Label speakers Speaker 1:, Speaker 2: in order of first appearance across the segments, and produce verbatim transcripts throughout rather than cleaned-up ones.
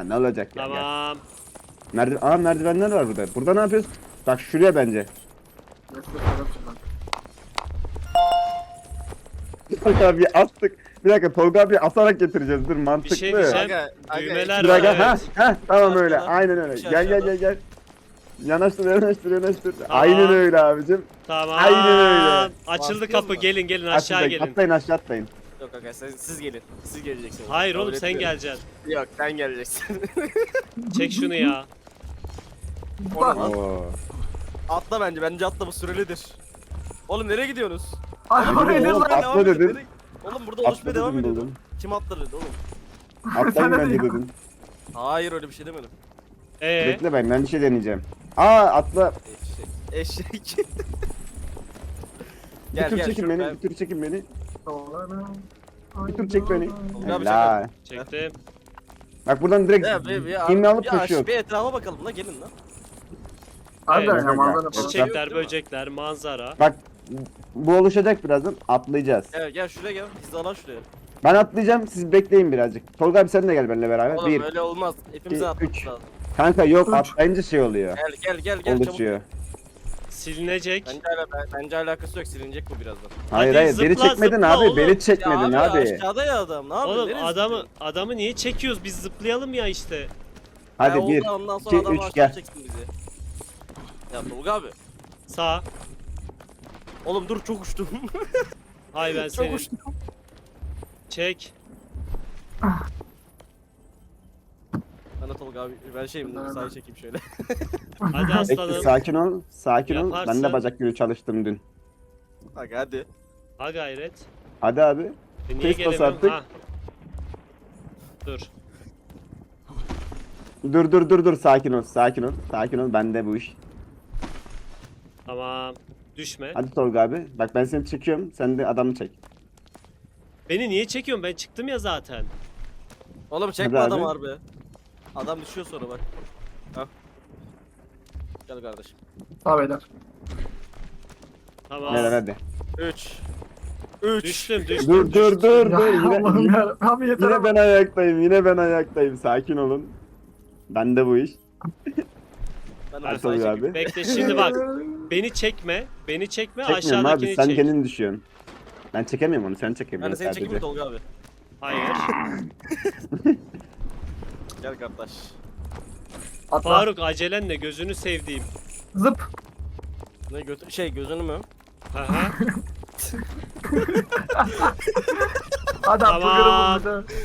Speaker 1: ne olacak ya?
Speaker 2: Tamam.
Speaker 1: Merdiven, aa merdivenler var burada. Burada ne yapıyoruz? Bak şuraya bence. Tolga abi attık. Bir dakika Tolga abi atarak getireceğiz. Dur mantıklı.
Speaker 2: Bir şey diyeceğim.
Speaker 3: Aga, aga,
Speaker 2: Düğmeler
Speaker 1: Bir
Speaker 2: var
Speaker 1: dakika ha
Speaker 2: evet.
Speaker 1: ha tamam öyle.
Speaker 3: Aşağıda.
Speaker 1: Aynen öyle.
Speaker 3: Bir şey
Speaker 1: Gel gel
Speaker 3: aşağıda.
Speaker 1: gel gel. Yanaştır yanaştır yanaştır.
Speaker 2: Tamam.
Speaker 1: Aynen öyle abicim.
Speaker 2: Tamam.
Speaker 1: Aynen öyle.
Speaker 2: Açıldı
Speaker 3: Bastınız
Speaker 2: kapı
Speaker 3: mı?
Speaker 2: gelin gelin aşağı
Speaker 1: Atlayın,
Speaker 2: gelin.
Speaker 1: atlayın aşağı atlayın.
Speaker 3: Yok aga siz, siz gelin. Siz geleceksiniz.
Speaker 2: Hayır
Speaker 3: Kabul
Speaker 2: oğlum sen
Speaker 3: etmiyorum.
Speaker 2: geleceksin.
Speaker 3: Yok sen geleceksin.
Speaker 2: Çek şunu ya.
Speaker 3: Onu lan.
Speaker 1: Oo.
Speaker 3: Atla bence. Bence atla bu sürelidir. Oğlum nereye gidiyorsunuz?
Speaker 4: Ay
Speaker 1: Oğlum,
Speaker 4: oraya ne
Speaker 1: oğlum,
Speaker 4: lan?
Speaker 1: atla
Speaker 3: Devam edin,
Speaker 1: dedin.
Speaker 3: nereye- Oğlum burada
Speaker 1: Atla
Speaker 3: oluşmaya devam
Speaker 1: dedim
Speaker 3: ediyordu.
Speaker 1: buldum.
Speaker 3: Kim atla dedi oğlum?
Speaker 1: Atlayın
Speaker 4: Sen de
Speaker 1: bence
Speaker 4: değil.
Speaker 1: dedin.
Speaker 3: Hayır öyle bir şey demedim.
Speaker 2: Ee,
Speaker 1: Bekle ben ben bir şey deneyeceğim. Aa atla.
Speaker 3: Eşek. Eşek.
Speaker 1: Bir
Speaker 3: Gel,
Speaker 1: tur
Speaker 3: gel,
Speaker 1: çekin
Speaker 3: şuraya.
Speaker 1: beni. Bir tur çekin beni.
Speaker 4: Bir
Speaker 1: Bir tur çek beni.
Speaker 3: Tolga abi
Speaker 1: Helal.
Speaker 2: çektim.
Speaker 1: Bak buradan direkt
Speaker 3: Ya bir, bir,
Speaker 1: inme alıp
Speaker 3: bir, aş-
Speaker 1: koşuyor.
Speaker 3: bir etrafa bakalım la gelin lan.
Speaker 4: Harbiden
Speaker 2: Evet.
Speaker 4: ya manzara falan.
Speaker 2: Çiçekler, böcekler, manzara.
Speaker 1: Bak bu oluşacak birazdan atlayacağız.
Speaker 3: Gel gel şuraya gel. Hizalan şuraya.
Speaker 1: Ben atlayacağım siz bekleyin birazcık. Tolga abi sen de gel benimle beraber.
Speaker 3: Oğlum
Speaker 1: Bir.
Speaker 3: öyle olmaz. Hepimize
Speaker 1: iki,
Speaker 3: atmamız
Speaker 1: üç.
Speaker 3: lazım.
Speaker 1: Kanka yok
Speaker 4: Üç.
Speaker 1: atlayınca şey oluyor.
Speaker 3: Gel gel gel gel çabuk.
Speaker 1: Oluşuyor.
Speaker 2: Silinecek.
Speaker 3: Bence, ala, bence alakası yok silinecek bu birazdan.
Speaker 1: Hayır
Speaker 2: Hadi
Speaker 1: hayır beni
Speaker 2: zıpla,
Speaker 1: çekmedin
Speaker 2: zıpla
Speaker 1: abi
Speaker 2: oğlum.
Speaker 1: beni çekmedin
Speaker 3: ya
Speaker 1: abi.
Speaker 3: aşağıda ya adam ne yapıyorsun?
Speaker 2: Oğlum
Speaker 3: Neresi
Speaker 2: adamı
Speaker 3: zıplıyorsun?
Speaker 2: adamı niye çekiyoruz? Biz zıplayalım ya işte.
Speaker 1: Hadi
Speaker 3: Ya
Speaker 1: bir,
Speaker 3: oldu, ondan sonra
Speaker 1: iki,
Speaker 3: adam
Speaker 1: üç
Speaker 3: aşağı
Speaker 1: gel.
Speaker 3: çeksin bizi. Ya Tolga abi.
Speaker 2: Sağ.
Speaker 3: Oğlum dur çok uçtum.
Speaker 2: Hay ben
Speaker 3: çok
Speaker 2: senin.
Speaker 3: uçtum.
Speaker 2: Çek.
Speaker 3: Ben de Tolga abi ben şeyim sağa çekeyim şöyle.
Speaker 2: Hadi
Speaker 1: Bekle,
Speaker 2: aslanım.
Speaker 1: sakin ol. Sakin ol. Ben
Speaker 2: Yaparsın.
Speaker 1: de bacak günü çalıştım dün.
Speaker 3: Bak hadi.
Speaker 2: Ha gayret.
Speaker 1: Hadi abi.
Speaker 2: E niye
Speaker 1: Kes bas
Speaker 2: gelemiyorum?
Speaker 1: artık.
Speaker 2: Ha. Dur.
Speaker 1: Dur dur dur dur sakin ol sakin ol. Sakin ol bende bu iş.
Speaker 2: Tamam. Düşme.
Speaker 1: Hadi Tolga abi. Bak ben seni çekiyorum. Sen de adamı çek.
Speaker 2: Beni niye çekiyorsun? Ben çıktım ya zaten.
Speaker 3: Oğlum çekme
Speaker 1: Hadi
Speaker 3: adam
Speaker 1: abi.
Speaker 3: harbi. Adam düşüyor sonra bak. Ha. Gel kardeşim.
Speaker 4: Sağ beyler.
Speaker 2: Tamam.
Speaker 1: Ver hadi.
Speaker 3: üç. üç.
Speaker 2: Düştüm düştüm.
Speaker 1: Dur dur dur
Speaker 4: Ya
Speaker 1: dur. Yine,
Speaker 4: Allah'ım
Speaker 1: yine,
Speaker 4: ya. Abi yeter
Speaker 1: yine
Speaker 4: ama.
Speaker 1: ben ayaktayım. Yine ben ayaktayım. Sakin olun. Bende bu iş.
Speaker 3: Ben
Speaker 1: Hadi
Speaker 3: de sağa
Speaker 1: Tolga
Speaker 3: çekeyim.
Speaker 1: abi.
Speaker 2: Bekle şimdi bak. Beni çekme. Beni çekme.
Speaker 1: Çekmiyorum abi.
Speaker 2: Aşağıdakini
Speaker 1: Sen
Speaker 2: çek.
Speaker 1: kendini düşüyorsun. Ben çekemiyorum onu. Sen
Speaker 3: Ben de
Speaker 1: çekebiliyorsun
Speaker 3: seni çekeyim mi
Speaker 1: sadece.
Speaker 3: Tolga abi?
Speaker 2: Hayır.
Speaker 3: Gel kardeş.
Speaker 4: Atla.
Speaker 2: Faruk acelenle gözünü sevdiğim.
Speaker 4: Zıp.
Speaker 3: Ne götü şey gözünü mü?
Speaker 2: Aha.
Speaker 4: Adam
Speaker 2: Tamam.
Speaker 4: bugünü buldu.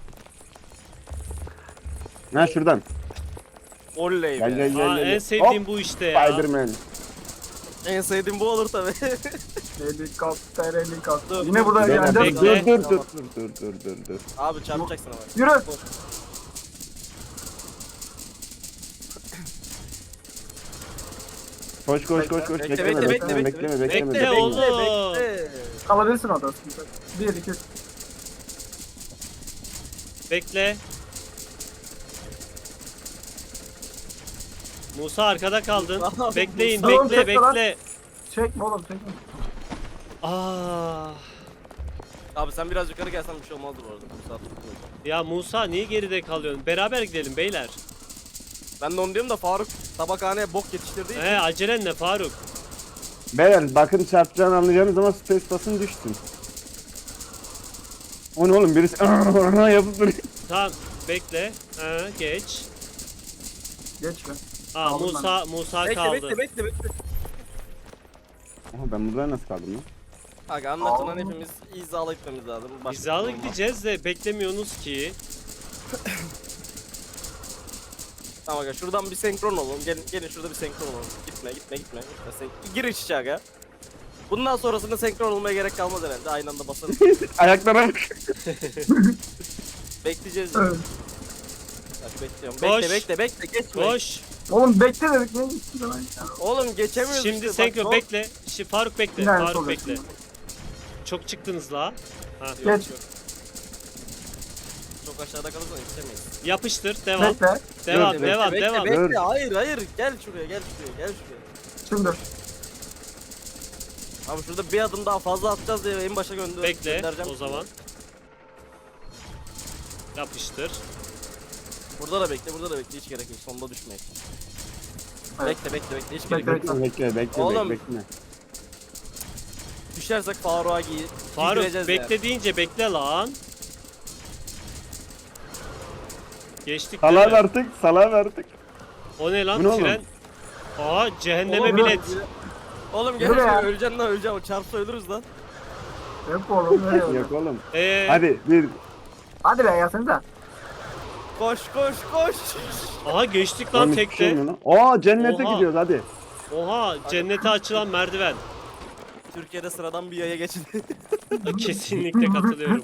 Speaker 1: Ha şuradan.
Speaker 3: Oley
Speaker 1: Gel
Speaker 3: be.
Speaker 1: gel gel.
Speaker 2: Aa,
Speaker 1: gel.
Speaker 2: en sevdiğim
Speaker 1: Hop,
Speaker 2: bu işte ya.
Speaker 1: Spiderman.
Speaker 3: En sevdiğim bu olur tabi.
Speaker 4: Helikopter helikopter.
Speaker 3: Dur,
Speaker 4: Yine
Speaker 3: dur,
Speaker 4: burada
Speaker 1: Dur
Speaker 4: yani.
Speaker 1: dur
Speaker 2: Bekle.
Speaker 1: dur dur dur dur dur dur dur.
Speaker 3: Abi çarpacaksın ama.
Speaker 4: Yürü.
Speaker 1: Koş koş koş koş.
Speaker 3: Bekle,
Speaker 1: Bekleme
Speaker 3: bekle,
Speaker 1: bekleme
Speaker 3: bekle,
Speaker 1: bekleme
Speaker 3: bekle.
Speaker 1: bekleme.
Speaker 2: Bekle
Speaker 1: bekleme.
Speaker 2: oğlum.
Speaker 3: Bekle.
Speaker 4: Kalabilirsin orada. sıkıntı yok. Bir, iki, üç.
Speaker 2: Bekle. Musa arkada kaldın.
Speaker 3: Abi,
Speaker 2: Bekleyin,
Speaker 4: Musa-
Speaker 2: bekle,
Speaker 4: Çekme lan.
Speaker 2: bekle.
Speaker 4: Çekme oğlum çekme.
Speaker 2: Aa.
Speaker 3: Abi sen biraz yukarı gelsen bir şey olmazdı bu arada. Bu saat
Speaker 2: Ya Musa niye geride kalıyorsun? Beraber gidelim beyler.
Speaker 3: Ben de onu diyorum da Faruk tabakhaneye bok yetiştirdiği için.
Speaker 2: He acelenle Faruk.
Speaker 1: Beyler bakın çarpacağını anlayacağınız zaman space basın düşsün. O ne oğlum birisi yapıp duruyor.
Speaker 2: Tamam bekle. Ha, geç.
Speaker 4: Geç be.
Speaker 2: Aa
Speaker 4: Kaldım
Speaker 2: Musa Musa
Speaker 3: Bekle
Speaker 2: kaldı.
Speaker 3: bekle bekle bekle.
Speaker 1: Aha, ben burada nasıl kaldım lan?
Speaker 3: Aga anlatılan
Speaker 4: Aa.
Speaker 3: hepimiz izalı gitmemiz lazım. Başka
Speaker 2: Hizalı
Speaker 3: bir şey olmaz.
Speaker 2: gideceğiz de beklemiyorsunuz ki.
Speaker 3: Tamam aga şuradan bir senkron olalım. Gelin gelin şurada bir senkron olalım. Gitme gitme gitme. gitme. Sen... Gir iç içe aga. Bundan sonrasında senkron olmaya gerek kalmaz herhalde. Aynı anda basarız.
Speaker 1: Ayaklara bak.
Speaker 3: Bekleyeceğiz.
Speaker 4: Evet.
Speaker 3: Bak bekliyorum.
Speaker 2: Koş.
Speaker 3: Bekle bekle bekle geçme.
Speaker 2: Koş.
Speaker 4: Oğlum bekle dedik ne gitti lan ya.
Speaker 3: Oğlum geçemiyoruz
Speaker 2: Şimdi
Speaker 3: işte.
Speaker 2: senkron
Speaker 3: bak,
Speaker 2: bekle. Şimdi Faruk bekle.
Speaker 4: Yine
Speaker 2: Faruk
Speaker 4: sol
Speaker 2: bekle.
Speaker 4: yapayım.
Speaker 2: Çok çıktınız la. Ha.
Speaker 3: Yok,
Speaker 4: Geç.
Speaker 3: yok. Çok aşağıda kalırsan yetişemeyiz.
Speaker 2: Yapıştır. Devam.
Speaker 4: Bekle.
Speaker 2: Devam.
Speaker 1: Bekle,
Speaker 2: devam.
Speaker 3: bekle,
Speaker 2: devam.
Speaker 3: Bekle,
Speaker 1: Dur.
Speaker 3: hayır hayır gel şuraya gel şuraya gel şuraya.
Speaker 4: Şimdi.
Speaker 3: Abi şurada bir adım daha fazla atacağız diye en başa gönder
Speaker 2: Bekle
Speaker 3: göndereceğim.
Speaker 2: o zaman. Yapıştır.
Speaker 3: Burada da bekle, burada da bekle. Hiç gerek yok. Sonunda düşmeyin.
Speaker 4: Evet.
Speaker 3: Bekle, bekle, bekle. Hiç
Speaker 4: Bekle,
Speaker 3: gerek yok.
Speaker 1: Bekle bekle bekle
Speaker 3: Oğlum.
Speaker 1: bekle.
Speaker 3: Düşersek Faruk'a giy.
Speaker 2: Faruk
Speaker 3: giydireceğiz
Speaker 2: bekle
Speaker 3: yani.
Speaker 2: deyince bekle lan. Geçtik değil
Speaker 1: Salam
Speaker 2: mi?
Speaker 1: artık salam artık.
Speaker 2: O ne lan
Speaker 1: Bu ne oğlum?
Speaker 2: tren? Aa cehenneme
Speaker 3: Oğlum,
Speaker 2: bilet.
Speaker 3: Oğlum gel
Speaker 4: Yürü ya.
Speaker 3: şöyle öleceksin lan öleceksin. O çarpsa ölürüz lan.
Speaker 4: Yok oğlum nereye
Speaker 1: Yok
Speaker 4: öyle?
Speaker 1: oğlum.
Speaker 2: Ee,
Speaker 1: Hadi bir.
Speaker 4: Hadi be gelsenize.
Speaker 3: Koş koş koş.
Speaker 2: aha geçtik
Speaker 1: Lan
Speaker 2: lan
Speaker 1: hiçbir şey
Speaker 2: tekte.
Speaker 1: olmuyor lan. Aa cennete
Speaker 2: Oha.
Speaker 1: gidiyoruz hadi.
Speaker 2: Oha cennete açılan merdiven.
Speaker 3: Türkiye'de sıradan bir yaya geçin.
Speaker 2: Kesinlikle katılıyorum.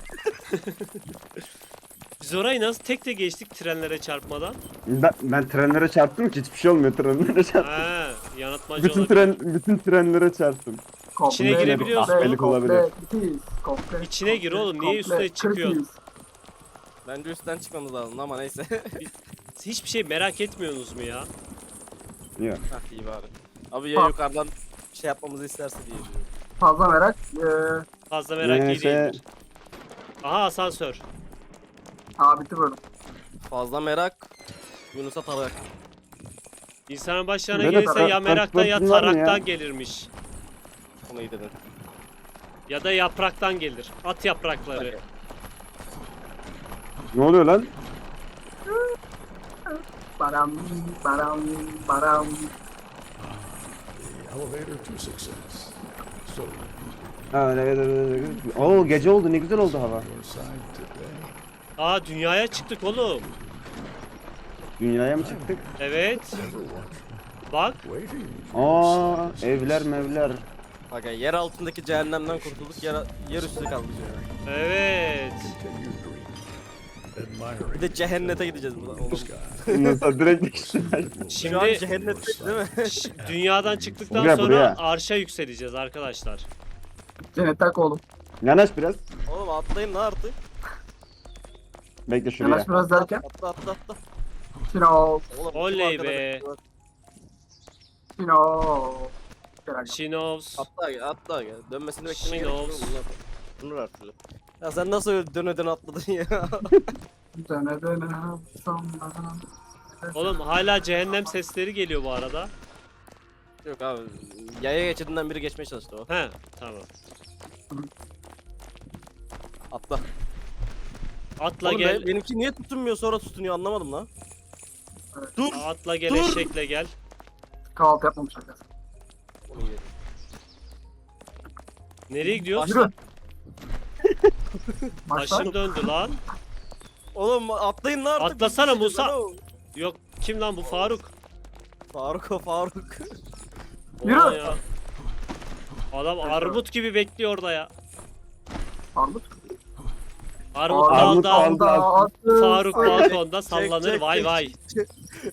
Speaker 2: Biz orayı nasıl tekte geçtik trenlere çarpmadan?
Speaker 1: Ben, ben trenlere çarptım ki hiçbir şey olmuyor trenlere çarptım.
Speaker 2: Ha, yanıltmacı
Speaker 1: Bütün
Speaker 2: olabilir.
Speaker 1: tren bütün trenlere çarptım.
Speaker 4: Komple,
Speaker 2: İçine girebiliyorsun.
Speaker 4: komple,
Speaker 1: Ahbelik olabilir.
Speaker 4: komple, ikiz, komple,
Speaker 2: İçine gir
Speaker 4: komple,
Speaker 2: oğlum, niye
Speaker 4: komple,
Speaker 2: üstüne çıkıyorsun?
Speaker 4: kırk yüz.
Speaker 3: Bence üstten çıkmamız lazım ama neyse.
Speaker 2: Hiçbir şey merak etmiyorsunuz mu ya?
Speaker 1: Yok.
Speaker 3: Hah iyi bari. Abi ya
Speaker 4: Ha.
Speaker 3: yukarıdan şey yapmamızı isterse diye düşünüyorum.
Speaker 4: Fazla merak. Eee
Speaker 2: Fazla merak iyi
Speaker 1: Neyse.
Speaker 2: değildir. Aha asansör.
Speaker 4: aa bitti böyle.
Speaker 3: Fazla merak. Yunus'a tarak.
Speaker 2: İnsanın başlarına
Speaker 1: Böyle
Speaker 2: gelirse
Speaker 1: tarak-
Speaker 2: ya meraktan ya
Speaker 1: taraklar mı ya?
Speaker 2: taraktan gelirmiş.
Speaker 3: Onu iyi dedin.
Speaker 2: Ya da yapraktan gelir. At yaprakları.
Speaker 1: Ne oluyor lan?
Speaker 4: Baram, baram, baram.
Speaker 5: Elevator to success. So,
Speaker 1: Ha, evet, evet, evet. Oo gece oldu ne güzel oldu hava.
Speaker 5: your side today.
Speaker 2: Aa dünyaya çıktık oğlum.
Speaker 1: Dünyaya mı çıktık?
Speaker 2: Evet.
Speaker 5: Ever watch
Speaker 2: Bak.
Speaker 5: waiting?
Speaker 1: Aa evler mevler.
Speaker 3: Bak ya yer altındaki cehennemden kurtulduk. Yer, yer üstü kaldık yani.
Speaker 2: Evet.
Speaker 5: Continue dreaming.
Speaker 3: Bir
Speaker 5: Admiring
Speaker 3: de cehennete gideceğiz buradan.
Speaker 5: the
Speaker 3: Oğlum.
Speaker 5: sky.
Speaker 1: Nasıl direkt
Speaker 3: Şu an
Speaker 2: Şimdi
Speaker 3: cehennette değil mi?
Speaker 2: ş- dünyadan çıktıktan
Speaker 1: Buraya,
Speaker 2: sonra
Speaker 1: buraya.
Speaker 2: arşa yükseleceğiz arkadaşlar.
Speaker 4: Cennet tak oğlum.
Speaker 1: Yanaş biraz.
Speaker 3: Oğlum atlayın lan artık.
Speaker 1: Bekle şuraya.
Speaker 4: Yanaş biraz derken.
Speaker 3: Atla atla atla.
Speaker 4: Şino,
Speaker 3: Oğlum,
Speaker 2: Oley
Speaker 3: kim
Speaker 2: be.
Speaker 3: arkadaş-
Speaker 4: şino. Gel
Speaker 2: Şinovs.
Speaker 3: Atla gel atla gel. Dönmesini beklemeye gerek yok.
Speaker 2: Şinos.
Speaker 3: Bunlar- Bunlar artık. Ya sen nasıl öyle döne döne atladın ya?
Speaker 4: Döne döne sonra.
Speaker 2: Oğlum hala cehennem sesleri geliyor bu arada.
Speaker 3: Yok abi. Yaya geçidinden biri geçmeye çalıştı o.
Speaker 2: He tamam.
Speaker 3: Atla.
Speaker 2: Atla
Speaker 3: Oğlum
Speaker 2: gel.
Speaker 3: be- benimki niye tutunmuyor sonra tutunuyor anlamadım lan. Dur.
Speaker 2: Atla gel
Speaker 3: Dur.
Speaker 2: eşekle gel.
Speaker 4: Kahvaltı yapmamış arkadaşlar.
Speaker 3: Onu yedim.
Speaker 2: Nereye gidiyoruz?
Speaker 3: Başla.
Speaker 4: Yürü. Başla.
Speaker 2: Başım döndü lan.
Speaker 3: Oğlum atlayın lan artık.
Speaker 2: Atlasana
Speaker 3: Bir şey
Speaker 2: Musa.
Speaker 3: lan o.
Speaker 2: Yok kim lan bu Faruk?
Speaker 3: Faruk o Faruk.
Speaker 4: Yürü.
Speaker 2: Oha ya. Adam armut gibi bekliyor orada ya.
Speaker 4: Armut.
Speaker 2: Armut
Speaker 1: Armut
Speaker 2: dalda,
Speaker 1: aldı.
Speaker 4: attı.
Speaker 2: Faruk
Speaker 4: Ay,
Speaker 2: balkonda
Speaker 3: Çek,
Speaker 2: sallanır
Speaker 3: çek,
Speaker 2: vay
Speaker 3: çek,
Speaker 2: vay.
Speaker 3: çek.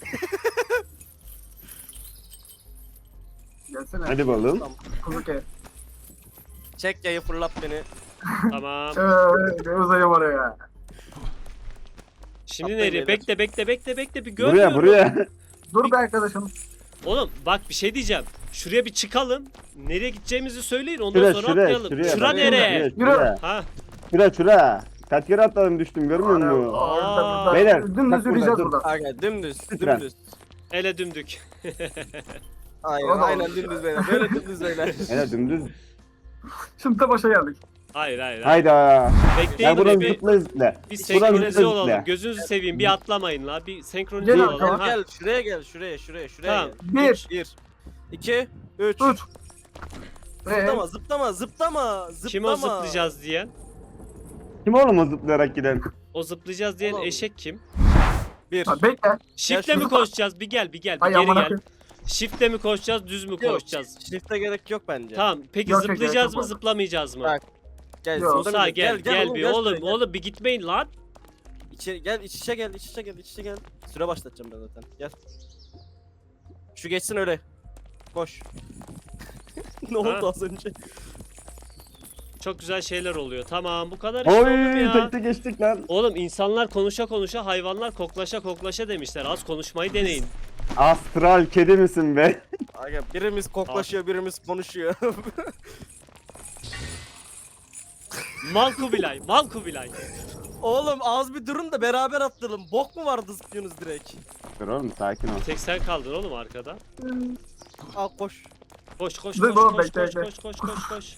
Speaker 4: Gelsene.
Speaker 1: Hadi bakalım.
Speaker 4: Kuzu ke.
Speaker 3: Çek yayı fırlat beni.
Speaker 2: Tamam.
Speaker 4: Eee uzayım oraya.
Speaker 2: Şimdi
Speaker 3: Atlayın
Speaker 2: nereye?
Speaker 3: beyler.
Speaker 2: Bekle bekle bekle bekle bir
Speaker 1: Buraya
Speaker 2: görmüyorum.
Speaker 1: buraya.
Speaker 4: Dur be arkadaşım.
Speaker 2: Oğlum bak bir şey diyeceğim. Şuraya bir çıkalım. Nereye gideceğimizi söyleyin ondan
Speaker 1: Şuraya
Speaker 2: sonra
Speaker 1: şuraya
Speaker 2: atlayalım.
Speaker 1: şuraya.
Speaker 2: Şura
Speaker 1: bak,
Speaker 2: nereye?
Speaker 1: Şuraya şuraya.
Speaker 2: Ha
Speaker 1: Şuraya şuraya. Kaç kere atladım düştüm görmüyor musun?
Speaker 2: Aa.
Speaker 1: Beyler,
Speaker 4: Dümdüz
Speaker 1: bak burada,
Speaker 4: yürüyeceğiz
Speaker 1: dur.
Speaker 4: burada.
Speaker 3: Aga dümdüz
Speaker 1: Lütfen.
Speaker 3: dümdüz.
Speaker 2: ele dümdük.
Speaker 3: Aynen
Speaker 4: Oğlum.
Speaker 3: aynen dümdüz beyler. Böyle dümdüz beyler.
Speaker 1: Evet dümdüz.
Speaker 4: Şimdi de başa geldik.
Speaker 2: Hayır hayır. hayır.
Speaker 1: Hayda.
Speaker 2: Bekleyin
Speaker 1: Ya buradan
Speaker 2: oraya bir,
Speaker 1: zıpla zıpla.
Speaker 2: bir
Speaker 1: Buradan
Speaker 2: senkronize
Speaker 1: zıpla
Speaker 2: olalım.
Speaker 1: zıpla.
Speaker 2: Gözünüzü seveyim bir atlamayın la. Bir senkronize
Speaker 4: Gel,
Speaker 2: olalım.
Speaker 3: Gel
Speaker 2: Ha.
Speaker 3: gel şuraya gel şuraya şuraya şuraya
Speaker 2: Tamam.
Speaker 3: gel.
Speaker 4: Bir.
Speaker 3: Bir. iki, üç.
Speaker 4: Üç. Eee.
Speaker 3: Zıplama zıplama zıplama zıplama.
Speaker 2: Kim o zıplayacağız diyen?
Speaker 1: Kim oğlum o zıplayarak giden?
Speaker 2: O zıplayacağız diyen
Speaker 3: Oğlum.
Speaker 2: eşek kim?
Speaker 3: Bir.
Speaker 4: Ha, bekle.
Speaker 2: Shift'le
Speaker 3: şu-
Speaker 2: mi koşacağız? Bir gel bir gel bir
Speaker 4: Ay
Speaker 2: geri
Speaker 4: aman
Speaker 2: gel.
Speaker 4: akım.
Speaker 2: Shift'le mi koşacağız düz mü
Speaker 3: Yok,
Speaker 2: koşacağız?
Speaker 3: Shift'e gerek yok bence.
Speaker 2: Tamam peki
Speaker 4: Yok, yok,
Speaker 2: zıplayacağız
Speaker 4: yok,
Speaker 2: mı
Speaker 4: yok.
Speaker 2: zıplamayacağız mı?
Speaker 3: Bak, Gel
Speaker 4: Yok.
Speaker 2: Musa
Speaker 3: zıplamayacağız.
Speaker 2: gel gel, bir
Speaker 3: gel
Speaker 2: oğlum
Speaker 3: şuraya, gel.
Speaker 2: oğlum bir gitmeyin lan.
Speaker 3: İçeri, gel iç içe gel iç içe gel iç içe gel. Süre başlatacağım ben zaten. Gel. Şu geçsin öyle. Koş. Ne oldu
Speaker 2: Ha?
Speaker 3: az önce?
Speaker 2: Çok güzel şeyler oluyor. Tamam bu kadar işte oğlum
Speaker 1: Oy
Speaker 2: ya.
Speaker 1: tekte geçtik lan.
Speaker 2: Oğlum insanlar konuşa konuşa hayvanlar koklaşa koklaşa demişler. Az konuşmayı deneyin.
Speaker 1: Astral kedi misin be?
Speaker 3: Aga birimiz koklaşıyor birimiz konuşuyor.
Speaker 2: Mal Kubilay, mal Kubilay.
Speaker 3: Oğlum az bir durun da beraber atlayalım. Bok mu vardı zıplıyorsunuz direkt?
Speaker 1: Dur oğlum sakin ol.
Speaker 2: Tek sen kaldın oğlum arkada.
Speaker 3: Al koş.
Speaker 2: Koş koş
Speaker 4: Dur
Speaker 2: koş
Speaker 4: oğlum,
Speaker 2: koş
Speaker 4: bekle,
Speaker 2: koş
Speaker 4: bekle.
Speaker 2: koş koş koş koş.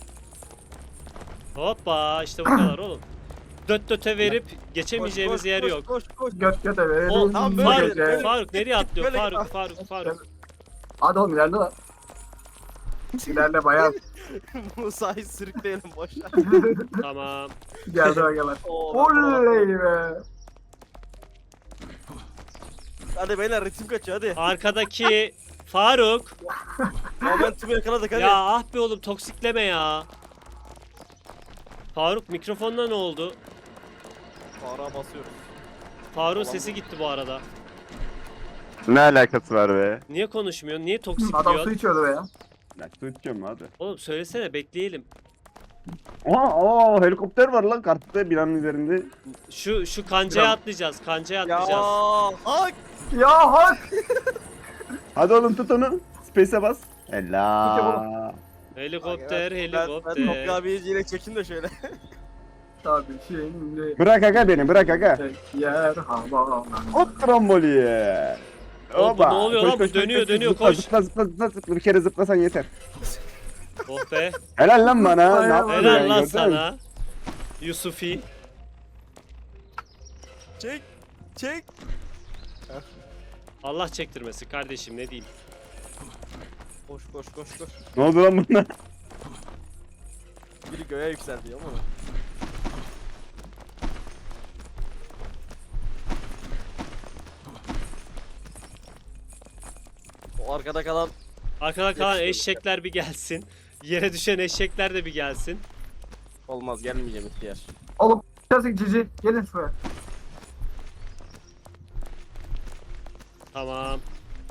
Speaker 2: Hoppa işte bu kadar oğlum. Döt döte verip geçemeyeceğimiz
Speaker 3: Koş,
Speaker 2: yer
Speaker 3: koş,
Speaker 2: yok.
Speaker 3: Koş koş.
Speaker 4: Göt göte verelim.
Speaker 2: O
Speaker 3: Tamam, böyle,
Speaker 2: Faruk,
Speaker 3: böyle.
Speaker 2: Faruk nereye atlıyor?
Speaker 3: Böyle-
Speaker 2: Faruk, Faruk, Faruk,
Speaker 4: Hadi oğlum ilerle lan. İlerle bayağı.
Speaker 3: Musa'yı sürükleyelim boşa.
Speaker 2: Tamam.
Speaker 4: Geldi agalar.
Speaker 3: Oo,
Speaker 4: Oley be.
Speaker 3: Hadi beyler ritim kaçıyor hadi.
Speaker 2: Arkadaki Faruk.
Speaker 3: Momentumu yakaladık hadi.
Speaker 2: Ya ah be oğlum toksikleme ya. Faruk mikrofonda ne oldu?
Speaker 3: Para basıyoruz.
Speaker 2: Faruk'un sesi gitti bu arada.
Speaker 1: Ne alakası var be?
Speaker 2: Niye konuşmuyor? Niye
Speaker 4: Adam su
Speaker 2: toksikliyor?
Speaker 4: içiyordu be ya.
Speaker 1: Ya su içiyorum hadi.
Speaker 2: Oğlum söylesene bekleyelim.
Speaker 1: Oha aa helikopter var lan kartta binanın üzerinde.
Speaker 2: Şu şu kancaya
Speaker 4: Biraz-
Speaker 2: atlayacağız. Kancaya
Speaker 3: Ya
Speaker 2: atlayacağız.
Speaker 3: hak.
Speaker 4: Ya hak.
Speaker 1: Hadi oğlum tut onu. Space'e bas.
Speaker 4: Tut
Speaker 1: Ella.
Speaker 2: Helikopter,
Speaker 3: Ben, ben
Speaker 2: helikopter.
Speaker 3: Tolga abiyi yine çekin de şöyle.
Speaker 4: Tabii şimdi.
Speaker 1: Bırak aga beni bırak aga.
Speaker 4: Tek yer hava.
Speaker 1: Hop tramboliye.
Speaker 2: Oğlum bu ne oluyor lan? Bu dönüyor, dönüyor,
Speaker 1: zıpla,
Speaker 2: koş.
Speaker 1: Zıpla zıpla zıpla zıpla bir kere zıplasan yeter.
Speaker 2: Oh be.
Speaker 1: Helal lan bana. Ne yaptın
Speaker 2: Helal
Speaker 1: ya,
Speaker 2: lan
Speaker 1: gördün mü?
Speaker 2: sana. Yusufi.
Speaker 3: Çek. Çek.
Speaker 2: Allah çektirmesin kardeşim ne diyeyim.
Speaker 3: Koş koş koş koş.
Speaker 1: Ne oldu lan buna?
Speaker 3: Biri göğe yükseldi ama. O arkada kalan
Speaker 2: Arkada kalan
Speaker 3: Yakışıyor.
Speaker 2: eşekler bir gelsin. Yere düşen eşekler de bir gelsin.
Speaker 3: olmaz gelmeyeceğim ihtiyar.
Speaker 4: Oğlum içersek cici. Gelin şuraya.
Speaker 2: Tamam.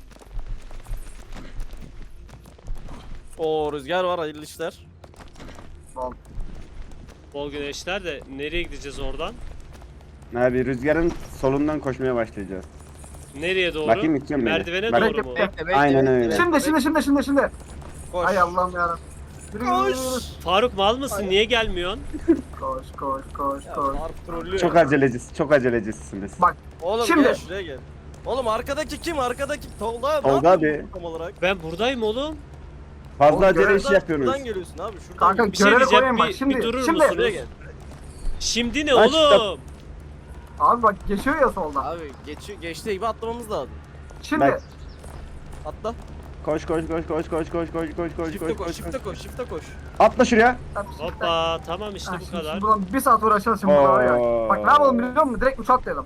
Speaker 3: O rüzgar var hayırlı işler.
Speaker 4: Oğlum.
Speaker 2: Bol güneşler de nereye gideceğiz oradan?
Speaker 1: Abi rüzgarın solundan koşmaya başlayacağız.
Speaker 2: Nereye doğru?
Speaker 1: Bakayım, gideceğim beni.
Speaker 2: Merdivene
Speaker 1: Bak-
Speaker 2: doğru mu?
Speaker 4: Bekle,
Speaker 3: bekle,
Speaker 1: Aynen
Speaker 3: bekle,
Speaker 1: öyle.
Speaker 3: bekle.
Speaker 4: Şimdi şimdi şimdi şimdi şimdi.
Speaker 3: Koş.
Speaker 4: Ay Allah'ım yarabbim. Yürü, yürü, yürü, yürü.
Speaker 3: Koş.
Speaker 2: Faruk mal mısın? Niye gelmiyorsun?
Speaker 4: Koş koş koş
Speaker 3: Ya,
Speaker 4: koş.
Speaker 3: Faruk trollüyor.
Speaker 1: Çok acelecisiz, çok acelecisiniz.
Speaker 4: Bak
Speaker 3: Oğlum
Speaker 4: Şimdi.
Speaker 3: gel şuraya gel. Oğlum arkadaki kim? Arkadaki Tolga abi.
Speaker 1: Tolga
Speaker 3: ne
Speaker 1: abi.
Speaker 3: yapıyorsun tam olarak?
Speaker 2: Ben buradayım oğlum.
Speaker 1: Fazla
Speaker 4: Oğlum,
Speaker 1: acele
Speaker 4: görev-
Speaker 1: iş yapıyorsunuz.
Speaker 3: Şuradan geliyorsun abi. Şuradan
Speaker 4: kanka
Speaker 2: Bir şey
Speaker 4: görevi
Speaker 2: diyeceğim,
Speaker 4: koyayım bak
Speaker 2: bir-
Speaker 4: şimdi.
Speaker 2: bir durur
Speaker 4: şimdi.
Speaker 2: musun?
Speaker 3: Şuraya gel.
Speaker 2: Şimdi ne
Speaker 1: Aç da-
Speaker 2: oğlum?
Speaker 4: Abi bak geçiyor ya soldan.
Speaker 3: Abi geçiyor geçtiği gibi atlamamız lazım.
Speaker 4: Şimdi.
Speaker 1: Bak.
Speaker 3: Atla.
Speaker 1: Koş koş koş koş koş koş koş koş koş
Speaker 3: Shift'e
Speaker 1: koş
Speaker 3: koş,
Speaker 1: koş
Speaker 3: shift'e koş, shift'e koş.
Speaker 1: Atla şuraya.
Speaker 2: Hoppa tamam işte
Speaker 4: Ha,
Speaker 2: bu
Speaker 4: şimdi-
Speaker 2: kadar.
Speaker 4: Şimdi buradan bir saat uğraşacağız şimdi burada var ya.
Speaker 1: Oo.
Speaker 4: Bak ne yapalım biliyor musun? Direkt uçak atlayalım.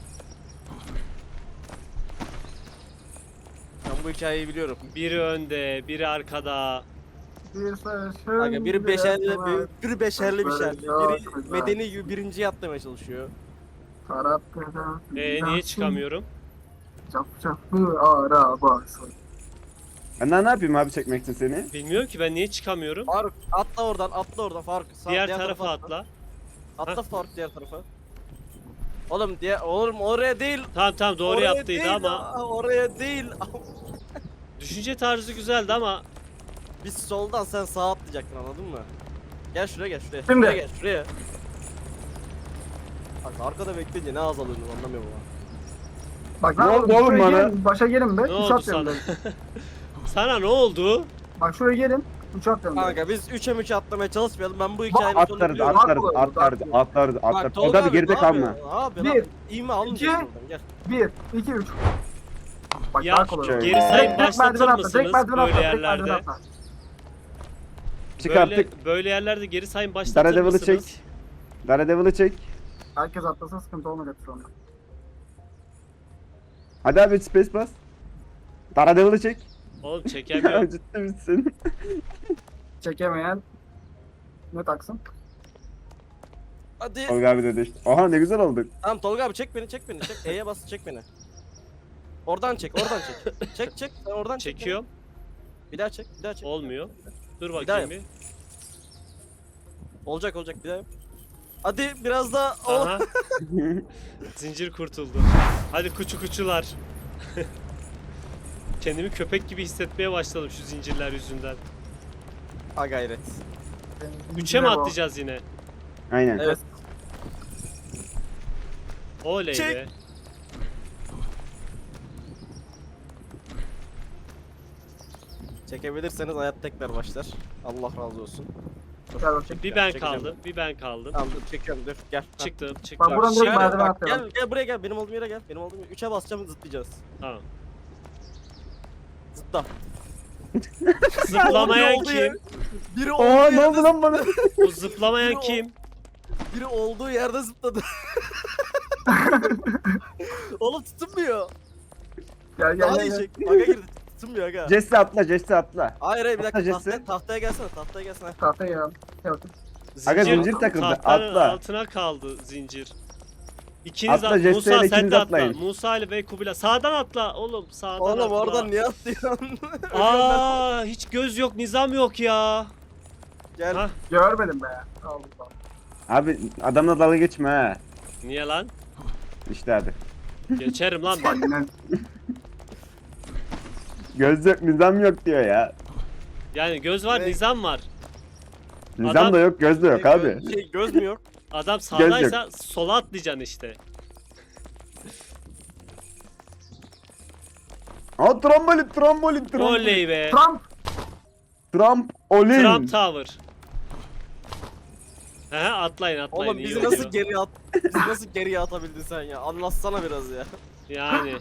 Speaker 3: Ben bu hikayeyi biliyorum.
Speaker 2: Biri önde, biri arkada.
Speaker 4: Bir sarışın.
Speaker 3: Aga biri beşerli,
Speaker 4: bir
Speaker 3: biri, biri beşerli bir
Speaker 4: Böyle
Speaker 3: şerli.
Speaker 4: çok
Speaker 3: Biri
Speaker 4: güzel.
Speaker 3: medeni gibi birinciye atlamaya çalışıyor.
Speaker 4: taraftan
Speaker 2: Ee, niye çıkamıyorum?
Speaker 4: Çap çaplı arabası.
Speaker 1: Ben daha ne yapayım abi çekmek için seni?
Speaker 2: Bilmiyorum ki ben niye çıkamıyorum.
Speaker 3: Faruk atla oradan, atla oradan Faruk. Sağ-
Speaker 2: Diğer tarafa atla.
Speaker 3: Atla Faruk diğer tarafa. Oğlum diğer oğlum oraya değil.
Speaker 2: Tamam tamam doğru
Speaker 3: oraya
Speaker 2: yaptıydı
Speaker 3: değil,
Speaker 2: ama
Speaker 3: aa, oraya değil.
Speaker 2: düşünce tarzı güzeldi ama
Speaker 3: Biz soldan sen sağa atlayacaktın anladın mı? Gel şuraya gel şuraya.
Speaker 4: Şimdi.
Speaker 3: Şuraya gel şuraya. Bak arkada bekleyince ne az alıyorsun anlamıyorum ama.
Speaker 4: Bak
Speaker 1: Ne
Speaker 4: ne
Speaker 1: oldu
Speaker 4: yapalım?
Speaker 1: oğlum
Speaker 4: Şuraya
Speaker 1: bana?
Speaker 4: gelin, başa gelin be.
Speaker 2: ne
Speaker 4: Uçak
Speaker 2: oldu
Speaker 4: atlayalım.
Speaker 2: sana?
Speaker 4: be.
Speaker 2: Sana ne oldu?
Speaker 4: Bak şuraya gelin. Uçak atlayalım. be.
Speaker 3: Kanka biz üçe üçe atlamaya çalışmayalım. Ben bu hikayenin sonunu
Speaker 1: Atlarız
Speaker 3: biliyorum.
Speaker 1: atlarız
Speaker 4: Haklı,
Speaker 1: atlarız
Speaker 4: haklı.
Speaker 1: atlarız atlarız.
Speaker 3: Bak,
Speaker 1: O da bir geride
Speaker 3: ne
Speaker 1: kalma.
Speaker 3: yapıyorsun? Abi
Speaker 4: Bir,
Speaker 3: lan İğme almayacaksın
Speaker 4: iki,
Speaker 3: oradan gel.
Speaker 4: Bir, iki, üç. Bak
Speaker 2: Ya,
Speaker 4: daha kolay.
Speaker 1: şöyle.
Speaker 4: oldu.
Speaker 2: Geri sayım
Speaker 4: Direkt- direkt merdiven
Speaker 2: başlatır
Speaker 4: atla, direkt
Speaker 2: mısınız
Speaker 4: merdiven
Speaker 2: böyle
Speaker 4: atla, direkt merdiven
Speaker 2: yerlerde?
Speaker 4: atla.
Speaker 1: Çıkarttık.
Speaker 2: Böyle, böyle yerlerde geri sayım başlatır
Speaker 1: Daredevil'ı
Speaker 2: mısınız?
Speaker 1: çek. Daredevil'ı çek.
Speaker 4: Herkes atlasa sıkıntı olmayacak sonra.
Speaker 1: Hadi abi space bas. Daredevil'ı çek.
Speaker 2: Oğlum çekemiyorum.
Speaker 1: Ciddi misin?
Speaker 4: Çekemeyen ne taksın?
Speaker 3: Hadi.
Speaker 1: Tolga abi dedi işte. Oha ne güzel olduk.
Speaker 3: Tamam Tolga abi çek beni çek beni çek. E'ye bas çek beni. Oradan çek oradan çek. Çek çek sen oradan çek.
Speaker 2: Çekiyorum.
Speaker 3: beni. Bir daha çek bir daha çek.
Speaker 2: Olmuyor. Dur
Speaker 3: daha
Speaker 2: bakayım
Speaker 3: yap.
Speaker 2: bir.
Speaker 3: Olacak olacak bir daha yap. Hadi biraz daha. Oh.
Speaker 2: Aha. Zincir kurtuldu. Hadi kuçu kuçular. Kendimi köpek gibi hissetmeye başladım şu zincirler yüzünden.
Speaker 3: Ha gayret.
Speaker 2: Üçe mi atlayacağız yine?
Speaker 1: Aynen.
Speaker 3: Evet.
Speaker 2: Oley
Speaker 3: Çek.
Speaker 2: be.
Speaker 3: Çekebilirseniz hayat tekrar başlar. Allah razı olsun.
Speaker 4: Gel bakayım.
Speaker 2: Bir ben
Speaker 3: Çekeceğim.
Speaker 2: kaldım. Bir ben kaldım.
Speaker 3: Tamam dur çekiyorum dur gel. Ha.
Speaker 2: Çıktım
Speaker 4: Bak
Speaker 2: çıktım.
Speaker 4: buradan
Speaker 3: Şey
Speaker 4: direkt
Speaker 3: yap,
Speaker 4: merdiven
Speaker 3: bak,
Speaker 4: atlıyorum.
Speaker 3: gel gel buraya gel benim olduğum yere gel. Benim olduğum yere. üçe basacağım zıplayacağız.
Speaker 2: Tamam.
Speaker 3: Zıpla.
Speaker 2: Zıplamayan
Speaker 3: Olduğu yer-
Speaker 2: kim?
Speaker 3: Biri olduğu
Speaker 1: Aa ne
Speaker 3: yerde
Speaker 1: oldu lan bana?
Speaker 2: Bu zıplamayan
Speaker 3: Biri o-
Speaker 2: kim?
Speaker 3: Biri olduğu yerde zıpladı. Oğlum tutunmuyor.
Speaker 4: Gel gel
Speaker 3: Daha
Speaker 4: gel. gel.
Speaker 3: yiyecek. Aga girdi. Tutunmuyor aga.
Speaker 1: Jesse atla Jesse atla.
Speaker 3: Hayır hayır bir dakika
Speaker 1: Atla
Speaker 3: tahtaya,
Speaker 1: Jesse.
Speaker 3: tahtaya gelsene tahtaya gelsene.
Speaker 4: Tahtaya gel. Gel bakayım.
Speaker 1: Aga zincir takıldı,
Speaker 2: tahtanın
Speaker 1: atla.
Speaker 2: altına kaldı zincir. İkiniz
Speaker 1: Atla,
Speaker 2: at.
Speaker 1: Jesse
Speaker 2: Musa
Speaker 1: ile
Speaker 2: sen
Speaker 1: ikiniz
Speaker 2: de atla.
Speaker 1: atlayın.
Speaker 2: Musa ile ve Kubilay. Sağdan atla oğlum. Sağdan
Speaker 3: Oğlum
Speaker 2: atla.
Speaker 3: oradan niye atlıyorsun?
Speaker 2: Aa hiç göz yok, nizam yok ya.
Speaker 3: Gel.
Speaker 2: Ha?
Speaker 4: Görmedim be. Allah.
Speaker 1: Abi adamla dalga geçme ha.
Speaker 2: Niye lan?
Speaker 1: İşte hadi.
Speaker 2: Geçerim lan ben.
Speaker 4: Aynen.
Speaker 1: Göz yok nizam yok diyor ya.
Speaker 2: Yani göz var,
Speaker 3: Ne?
Speaker 2: nizam var.
Speaker 1: Nizam
Speaker 2: Adam-
Speaker 1: da yok göz de yok
Speaker 3: Şey,
Speaker 1: abi.
Speaker 3: Göz, şey, göz mü yok?
Speaker 2: Adam
Speaker 1: yok.
Speaker 2: sağdaysa sola atlayacaksın işte.
Speaker 1: Aa trambolin trambolin trambolin.
Speaker 2: Oley be.
Speaker 4: Trump.
Speaker 1: Trump olin.
Speaker 2: Trump Tower. He atlayın atlayın.
Speaker 3: Oğlum
Speaker 2: iyi
Speaker 3: bizi
Speaker 2: oluyor.
Speaker 3: nasıl geriye at bizi nasıl geriye atabildin sen ya? Anlatsana biraz ya.
Speaker 2: Yani.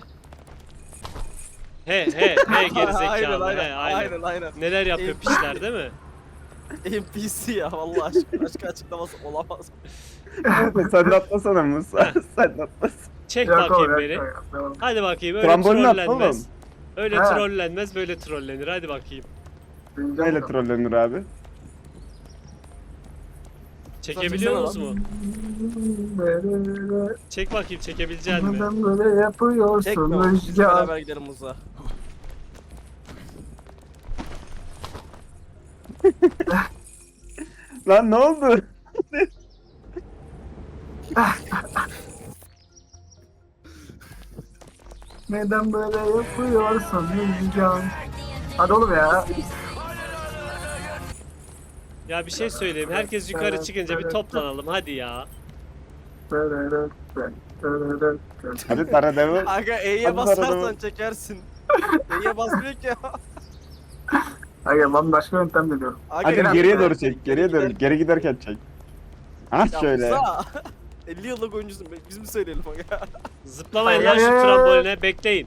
Speaker 2: He he he gerizekalı.
Speaker 3: aynen,
Speaker 2: he
Speaker 3: aynen,
Speaker 2: aynen.
Speaker 3: aynen aynen.
Speaker 2: Neler yapıyor
Speaker 3: Eyvah.
Speaker 2: piçler değil mi?
Speaker 3: N P C ya vallahi aşk, başka açıklaması olamaz.
Speaker 1: Sen de atlasana Musa. Sen de atlasana.
Speaker 2: Çek
Speaker 4: Yok
Speaker 2: bakayım
Speaker 4: oğlum,
Speaker 2: beni.
Speaker 4: yok, yok, yok.
Speaker 2: Hadi bakayım öyle
Speaker 1: Trambolin at
Speaker 2: trollenmez.
Speaker 1: oğlum.
Speaker 2: Öyle
Speaker 4: Ha.
Speaker 2: trollenmez böyle trollenir. Hadi bakayım.
Speaker 4: Bineceğim
Speaker 1: Neyle
Speaker 4: bakalım.
Speaker 1: trollenir abi?
Speaker 2: Çekebiliyor
Speaker 3: Çeksene
Speaker 2: musun mu?
Speaker 4: Böyle-
Speaker 2: Çek bakayım çekebilecek mi?
Speaker 4: Neden böyle yapıyorsun
Speaker 3: Çekme oğlum. Biz
Speaker 4: Rüzgar?
Speaker 3: beraber gidelim Musa.
Speaker 1: Lan ne oldu?
Speaker 4: Neden böyle yapıyorsun Rüzgar? Hadi oğlum ya.
Speaker 2: Ya bir şey söyleyeyim. Herkes yukarı çıkınca bir toplanalım hadi ya.
Speaker 1: Hadi tara devam.
Speaker 3: Aga E'ye
Speaker 1: Hadi
Speaker 3: basarsan
Speaker 1: bakalım.
Speaker 3: çekersin. E'ye basmıyor ki ya.
Speaker 4: Hayır ben başka yöntem deniyorum.
Speaker 3: Aga,
Speaker 1: Hadi
Speaker 3: gel-
Speaker 1: geriye doğru çek. Geriye doğru. Geri giderken çek. Ha
Speaker 3: Ya
Speaker 1: şöyle.
Speaker 3: Musa. elli yıllık oyuncusun. Biz mi söyleyelim aga?
Speaker 2: Zıplamayın lan
Speaker 4: Hayır.
Speaker 2: şu tramboline bekleyin.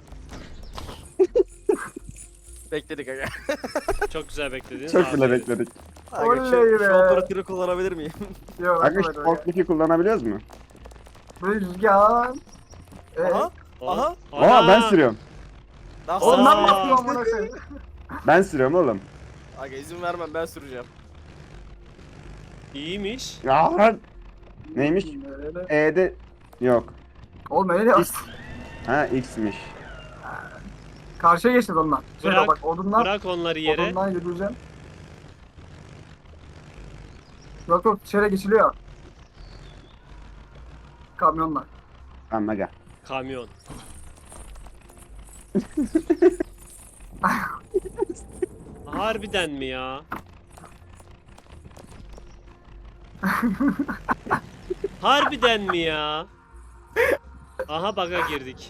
Speaker 3: Bekledik aga.
Speaker 2: Çok güzel beklediniz.
Speaker 1: Çok bile
Speaker 2: aferin.
Speaker 1: bekledik.
Speaker 3: Aga
Speaker 4: Oley
Speaker 3: şu,
Speaker 4: be.
Speaker 3: şu operatörü kullanabilir miyim?
Speaker 4: Yok,
Speaker 1: Aga şu
Speaker 4: bakma böyle.
Speaker 1: forklifti kullanabiliyoruz mu?
Speaker 4: Rüzgar. Ee,
Speaker 3: Aha. Aha.
Speaker 1: Aa ben sürüyorum.
Speaker 3: Daha
Speaker 2: Oğlum,
Speaker 4: Ondan
Speaker 2: Aa.
Speaker 4: mı yapıyor amına koyayım?
Speaker 1: Ben sürüyorum oğlum.
Speaker 3: Aga izin vermem ben süreceğim.
Speaker 2: İyiymiş.
Speaker 1: Ya neymiş? E'de yok.
Speaker 4: Oğlum öyle ya.
Speaker 1: X. Ha X'miş.
Speaker 4: Karşıya geçeceğiz ondan. Şöyle
Speaker 2: Bırak,
Speaker 4: bak odundan,
Speaker 2: Bırak onları yere.
Speaker 4: odundan yürüyeceğim. Yok yok şöyle geçiliyor. Kamyonla.
Speaker 1: Tamam aga.
Speaker 2: Kamyon. Harbiden mi ya? Harbiden mi ya? Aha baga girdik.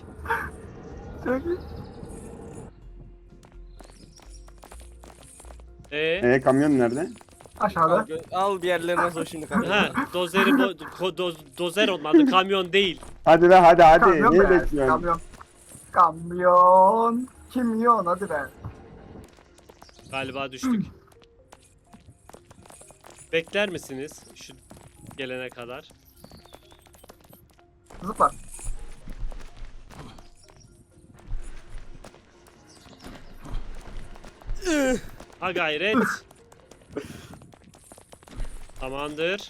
Speaker 2: E
Speaker 1: E kamyon nerede?
Speaker 3: Al,
Speaker 4: Aşağıda.
Speaker 3: gö- al bir yerlerine sor şimdi kanka.
Speaker 2: ha dozeri bo- ko- doz- dozer onun adı kamyon değil.
Speaker 1: Hadi be hadi hadi.
Speaker 4: Kamyon
Speaker 1: Niye
Speaker 4: be.
Speaker 1: bekliyorsun?
Speaker 4: Kamyon. Kamyon. Kimyon hadi be.
Speaker 2: Galiba düştük. Bekler misiniz şu gelene kadar?
Speaker 4: Zıpla.
Speaker 2: Ha gayret. Tamamdır.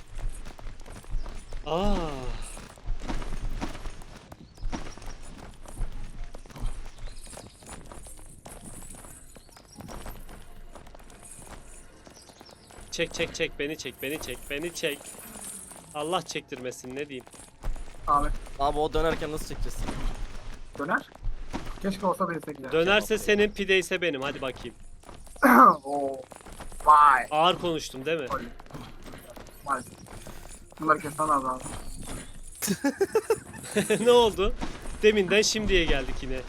Speaker 2: Aa. Çek çek çek beni çek beni çek beni çek. Allah çektirmesin ne diyeyim.
Speaker 4: Abi
Speaker 3: Abi o dönerken nasıl çekeceğiz?
Speaker 4: döner. Keşke olsa da yesek ya.
Speaker 2: Dönerse senin pide ise benim hadi bakayım.
Speaker 4: Oo. Vay.
Speaker 2: Ağır konuştum değil mi?
Speaker 4: Vay. Bunları kesmen lazım abi.
Speaker 2: Ne oldu? Deminden şimdiye geldik yine.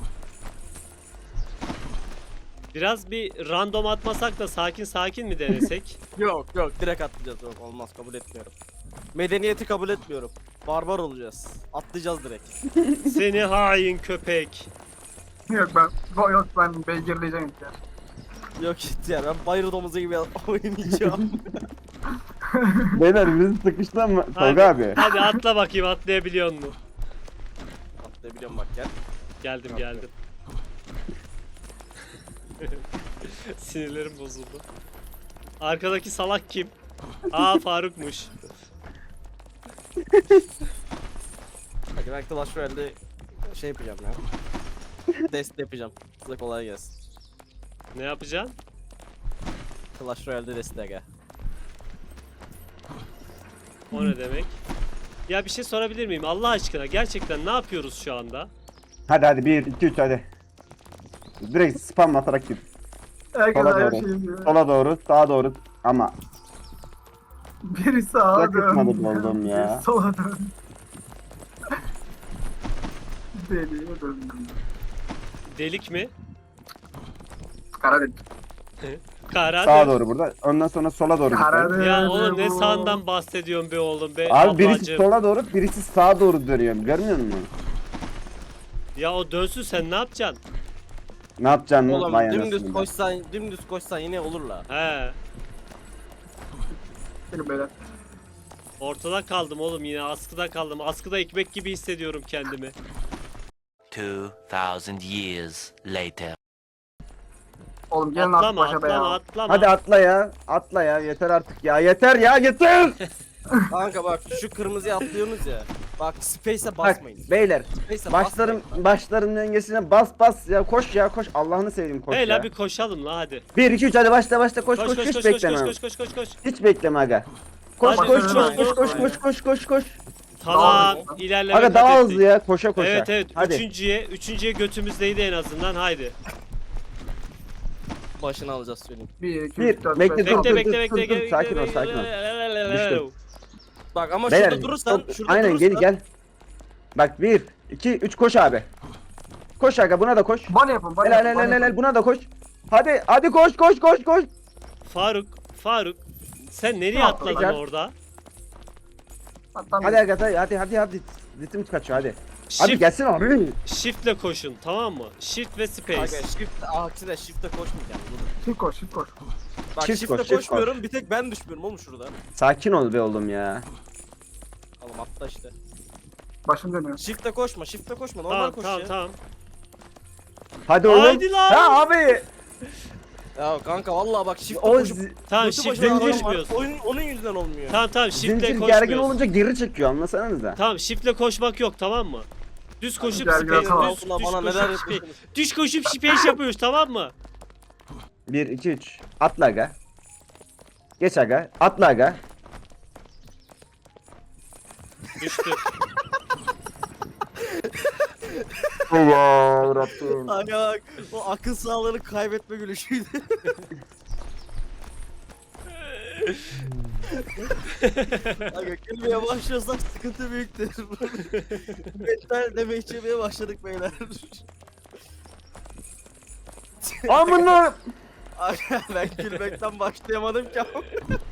Speaker 2: Biraz bir random atmasak da sakin sakin mi denesek?
Speaker 3: Yok yok direkt atlayacağız. Yok olmaz, kabul etmiyorum. Medeniyeti kabul etmiyorum. Barbar olacağız. Atlayacağız direkt.
Speaker 2: Seni hain köpek.
Speaker 4: Yok ben, yok ben beygirleyeceğim ya.
Speaker 3: Yok gitti ya, ben bayır domuzu gibi oynayacağım.
Speaker 1: Beyler bizi sıkıştı mı?
Speaker 2: Hadi,
Speaker 1: Tolga abi.
Speaker 2: hadi atla bakayım, atlayabiliyor musun?
Speaker 3: Atlayabiliyorum bak gel.
Speaker 2: Geldim geldim. Sinirlerim bozuldu. Arkadaki salak kim? Aa Faruk'muş.
Speaker 3: Bak ben Clash Royale'de şey yapacağım ya. Dest yapacağım. Size kolay gelsin.
Speaker 2: Ne yapacaksın?
Speaker 3: Clash Royale'de dest aga.
Speaker 2: O ne demek? Ya bir şey sorabilir miyim? Allah aşkına gerçekten ne yapıyoruz şu anda?
Speaker 1: Hadi hadi bir iki üç hadi. Direkt spam atarak gir.
Speaker 4: Herkes
Speaker 1: Sola
Speaker 4: her
Speaker 1: doğru.
Speaker 4: şeyi diyor.
Speaker 1: Sola doğru, sağa doğru ama
Speaker 4: Biri sağa
Speaker 1: Yakıtmadı
Speaker 4: dön.
Speaker 1: oldum ya.
Speaker 4: Biri sola dön. Deliye döndüm.
Speaker 2: Delik mi?
Speaker 4: Kara delik.
Speaker 2: Kara
Speaker 1: sağa
Speaker 2: delik.
Speaker 1: doğru burada. Ondan sonra sola doğru.
Speaker 4: Kara
Speaker 1: gidiyor.
Speaker 4: delik.
Speaker 2: Ya oğlum ne sağından bahsediyorsun be oğlum be
Speaker 1: Abi birisi
Speaker 2: ablacığım.
Speaker 1: sola doğru, birisi sağa doğru dönüyor. Görmüyor musun?
Speaker 2: Ya o dönsün, sen ne yapacaksın?
Speaker 1: Ne yapacaksın lan?
Speaker 3: Oğlum
Speaker 1: Vay
Speaker 3: dümdüz
Speaker 1: anasını.
Speaker 3: koşsan, dümdüz koşsan yine olur la.
Speaker 2: He.
Speaker 4: Gelin beyler.
Speaker 2: Ortada kaldım oğlum, yine askıda kaldım. Askıda ekmek gibi hissediyorum kendimi.
Speaker 6: Two thousand years later.
Speaker 4: Oğlum gelin artık
Speaker 2: Atlama
Speaker 4: başa be
Speaker 2: atlama
Speaker 4: ya.
Speaker 2: atlama.
Speaker 1: Hadi atla ya. Atla ya. Yeter artık ya. Yeter ya. Yeter.
Speaker 3: Kanka bak şu kırmızıya atlıyorsunuz ya. Bak space'e
Speaker 1: Bak
Speaker 3: basmayın.
Speaker 1: beyler.
Speaker 3: Space'e
Speaker 1: Başlarım
Speaker 3: basmayın.
Speaker 1: başların dengesine bas bas ya. Koş ya koş. Allah'ını seveyim koş
Speaker 2: Hey
Speaker 1: ya.
Speaker 2: la bir koşalım la hadi.
Speaker 1: bir iki üç hadi başla başla koş
Speaker 2: Koş
Speaker 1: koş,
Speaker 2: koş
Speaker 1: hiç
Speaker 2: koş koş
Speaker 1: bekleme.
Speaker 2: koş koş koş koş koş.
Speaker 1: Hiç bekleme aga. Koş
Speaker 2: Hadi,
Speaker 1: koş
Speaker 2: üç
Speaker 1: koş
Speaker 2: oldu.
Speaker 1: koş koş koş koş koş koş.
Speaker 2: Tamam, ilerleme
Speaker 1: Aga
Speaker 2: kat
Speaker 1: daha
Speaker 2: ettik.
Speaker 1: hızlı ya koşa koşa.
Speaker 2: Evet evet,
Speaker 1: Hadi.
Speaker 2: üçüncüye, üçüncüye götümüzdeydi en azından, haydi.
Speaker 3: Başını alacağız söyleyeyim.
Speaker 4: bir, iki,
Speaker 1: Bir,
Speaker 4: üç, dört,
Speaker 1: bekle,
Speaker 4: beş,
Speaker 1: dur,
Speaker 2: Bekle
Speaker 1: dur,
Speaker 2: bekle
Speaker 1: dur,
Speaker 2: bekle
Speaker 1: dur,
Speaker 2: bekle.
Speaker 1: sakin ol, sakin ol. Düştüm.
Speaker 3: Bak ama
Speaker 1: Beyler,
Speaker 3: şurada durursan,
Speaker 1: çok-
Speaker 3: şurada
Speaker 1: aynen
Speaker 3: durursan.
Speaker 1: gel gel. Bak bir, iki, üç koş abi. Koş aga buna da koş.
Speaker 4: Bana yapın, bana
Speaker 1: Helal
Speaker 4: yapın,
Speaker 1: helal
Speaker 4: bana
Speaker 1: helal
Speaker 4: yapın.
Speaker 1: buna da koş. Hadi hadi koş koş koş koş.
Speaker 2: Faruk, Faruk. Sen nereye
Speaker 4: Ne
Speaker 2: atladın
Speaker 1: yapacak?
Speaker 2: orada?
Speaker 4: Atlan
Speaker 1: Hadi aga hadi hadi hadi hadi. Ritim kaçıyor hadi. Hadi
Speaker 2: Shift,
Speaker 1: gelsin abi.
Speaker 2: shiftle koşun, tamam mı? Shift ve space.
Speaker 3: Kanka shift, aksine shift'e koşmayacağım. Dur.
Speaker 4: Shift koş, shift koş.
Speaker 3: Bak
Speaker 1: Shift
Speaker 3: shift'e
Speaker 1: koş, shift
Speaker 3: koşmuyorum, bir tek ben düşmüyorum oğlum şurada.
Speaker 1: Sakin ol be oğlum ya.
Speaker 3: Oğlum atla işte.
Speaker 4: Başım dönüyor.
Speaker 3: Shift'e koşma, shift'e koşma, normal
Speaker 2: Tamam
Speaker 3: koş
Speaker 2: tamam
Speaker 3: ya.
Speaker 2: tamam.
Speaker 1: Hadi oğlum.
Speaker 2: Haydi lan.
Speaker 1: Ha abi.
Speaker 3: Ya kanka vallahi bak shift'e
Speaker 1: O
Speaker 3: koşup
Speaker 1: zi-
Speaker 2: Tamam
Speaker 3: götü
Speaker 2: shift'le
Speaker 3: başına
Speaker 2: koşmuyoruz.
Speaker 3: koyma, Oyun, onun yüzünden olmuyor.
Speaker 2: Tamam tamam shift'le
Speaker 1: zincir gergin
Speaker 2: koşmuyoruz.
Speaker 1: olunca geri çekiyor anlasanıza.
Speaker 2: Tamam shift'le koşmak yok, tamam mı? Düz koşup
Speaker 4: gel,
Speaker 2: space,
Speaker 4: gel, tamam.
Speaker 2: düz, düz
Speaker 3: Ulan bana neler
Speaker 2: koşup space.
Speaker 3: yapıyorsunuz?
Speaker 2: Düz koşup space yapıyoruz, tamam mı?
Speaker 1: bir iki üç. Atla aga. Geç aga. Atla aga.
Speaker 2: Düştü.
Speaker 1: Allah Rabbim.
Speaker 3: Kanka bak o akıl sağlığını kaybetme gülüşüydü. Kanka gülmeye başlıyorsak sıkıntı büyüktür. Mental deme içemeye başladık beyler.
Speaker 1: Amına.
Speaker 3: Kanka ben gülmekten başlayamadım ki ama.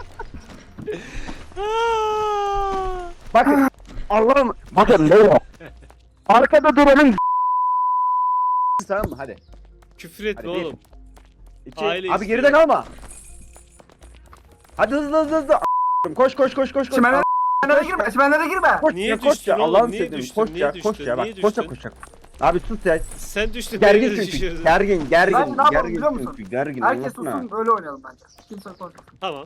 Speaker 1: Bakın. Allah'ım. Bakın beyler. Arkada duranın tamam mı? Hadi.
Speaker 2: Küfür etme
Speaker 1: Hadi bir.
Speaker 2: oğlum.
Speaker 1: İki.
Speaker 2: Aile
Speaker 1: Abi
Speaker 2: istiyor.
Speaker 1: geride kalma. Hadi hızlı hızlı hızlı. A- Koş koş koş koş koş.
Speaker 4: Çimenlere çimenlere girme, çimenlere girme.
Speaker 1: Koş
Speaker 2: Niye
Speaker 1: ya koş
Speaker 2: düştün
Speaker 1: ya
Speaker 2: oğlum?
Speaker 1: Allah'ını
Speaker 2: Niye
Speaker 1: seveyim.
Speaker 2: düştün?
Speaker 1: Koş
Speaker 2: Niye
Speaker 1: ya koş
Speaker 2: düştün?
Speaker 1: ya bak
Speaker 2: Niye
Speaker 1: koşa
Speaker 2: düştün?
Speaker 1: koşa. Abi sus ya.
Speaker 2: Sen düştün,
Speaker 1: Gergin
Speaker 2: beni de
Speaker 1: çünkü.
Speaker 2: düşürdün.
Speaker 1: Gergin gergin.
Speaker 4: Ben ne yapalım
Speaker 1: gergin
Speaker 4: biliyor musun?
Speaker 1: çünkü. Gergin
Speaker 4: Herkes
Speaker 1: anlatma.
Speaker 4: sussun, öyle oynayalım bence. Kimse konuşmasın.
Speaker 2: Tamam.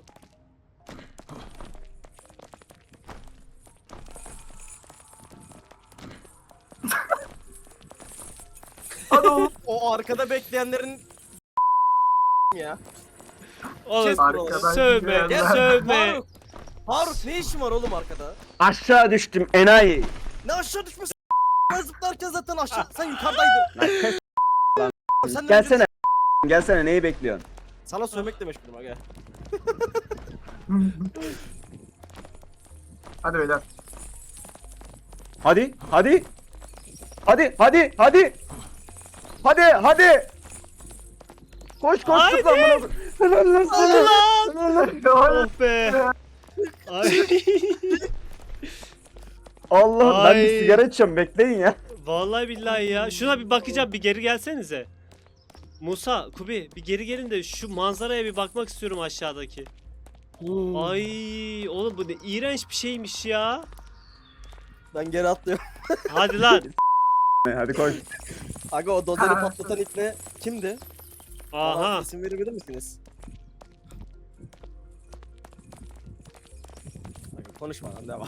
Speaker 4: Hadi oğlum.
Speaker 3: O arkada bekleyenlerin ya.
Speaker 2: Oğlum
Speaker 3: Kes buraları.
Speaker 4: Arkadan
Speaker 2: sövme,
Speaker 4: gidenler.
Speaker 2: sövme.
Speaker 3: Faruk. Faruk ne işin var oğlum arkada?
Speaker 1: Aşağı düştüm enayi.
Speaker 3: Ne aşağı düşmesi? Ben zıplarken zaten aşağı. Sen yukarıdaydın.
Speaker 1: Lan kes
Speaker 3: Sen de
Speaker 1: gelsene. Gelsene neyi bekliyorsun?
Speaker 3: Sana sövmek de meşgulüm aga.
Speaker 4: Hadi beyler.
Speaker 7: Hadi, hadi. Hadi, hadi, hadi. Hadi, hadi. Koş koş
Speaker 2: Haydi.
Speaker 7: tut lan bunu. Helal lan sana. Helal lan.
Speaker 2: Oh be. Ay.
Speaker 7: Allah ben bir
Speaker 2: Ay.
Speaker 7: sigara içiyorum bekleyin ya.
Speaker 2: Vallahi billahi ya. Şuna bir bakacağım, bir geri gelsenize. Musa, Kubi bir geri gelin de şu manzaraya bir bakmak istiyorum aşağıdaki. Ay oğlum bu ne iğrenç bir şeymiş ya.
Speaker 3: Ben geri atlıyorum.
Speaker 2: Hadi lan.
Speaker 7: Hadi koş.
Speaker 3: Aga o dozeri patlatan ipne kimdi?
Speaker 2: Aha.
Speaker 3: Bana isim verebilir misiniz? Aga konuşma lan devam.